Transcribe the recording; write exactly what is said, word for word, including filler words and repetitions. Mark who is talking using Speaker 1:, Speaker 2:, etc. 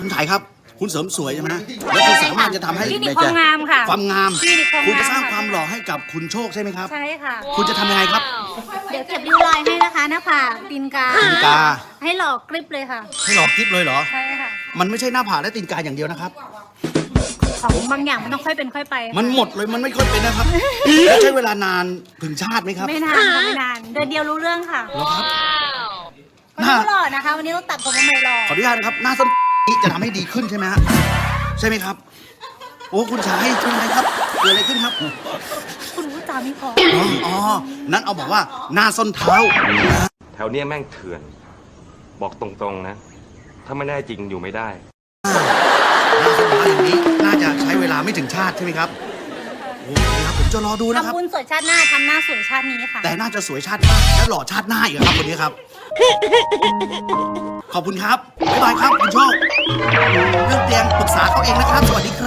Speaker 1: คุณไถ่ครับคุณเสริมสวยใช่ไหมแล้วคุณสามารถจะทำให้
Speaker 2: คลินิกความงามค่ะ
Speaker 1: ความงาม
Speaker 2: คลินิกความงาม
Speaker 1: คุณจะสร้างความหล่อให้กับคุณโชคใช่ไหมครับ
Speaker 2: ใช่ค่ะ
Speaker 1: คุณจะทำยังไงครับ
Speaker 2: เดี๋ยวเก็บริ้วรอยให้นะคะหน้าผากตีนกา
Speaker 1: ตีนกา
Speaker 2: ให้หลอกกริบเลยค่ะ
Speaker 1: ให้หลอกกิ๊บเลยเหรอ
Speaker 2: ใช่ค่ะ
Speaker 1: มันไม่ใช่หน้าผากและตีนกาอย่างเดียวนะครับ
Speaker 2: ของบางอย่างมันต้องค่อยเป็นค่อยไปค่ะ
Speaker 1: มันหมดเลยมันไม่ค่อยเป็นนะครับแล้วใช้เวลานานถึงชาติไหมครับ
Speaker 2: ไม่นานค่ะไม่นานเดือนเดียวรู้เรื่องค่ะ
Speaker 1: เหรอครับ
Speaker 2: วันนี้ก็หล่อนะคะ วันนี้ต้องตัดผมมาใหม่หล่อ
Speaker 1: ขออนุญาตนะครับหน้าส้นจะทำให้ดีขึ้นใช่ไหมฮะใช่ไหมครับ โอ้คุณชายเป็นไรครับเกิดอะไรขึ้นครับ
Speaker 2: คุณรู้จาไม่พอ
Speaker 1: อ๋ออ๋อนั้นเอาบอกว่าหน้าส้นเท้า
Speaker 3: แถวเนี้ยแม่งเถื่อน บอกตรงๆนะ ถ้าไม่ได้จริงอยู่ไม่ได้
Speaker 1: หน้าส้นเท้าอย่างนี้น่าจะใช้เวลาไม่ถึงชาติใช่ไหมครับโอเคครับผมจะรอดูนะครับ
Speaker 2: ทำบุญสวยชาติหน้าทำหน้าสวยชาตินี้ค่ะ
Speaker 1: แต่น่าจะสวยชาติหน้าและหล่อชาติหน้าอีกครับคนนี้ครับ ขอบคุณครับบ๊ายบายครับคุณโชคเรื่องเตียงปรึกษาเขาเองนะครับ สวัสดีครับ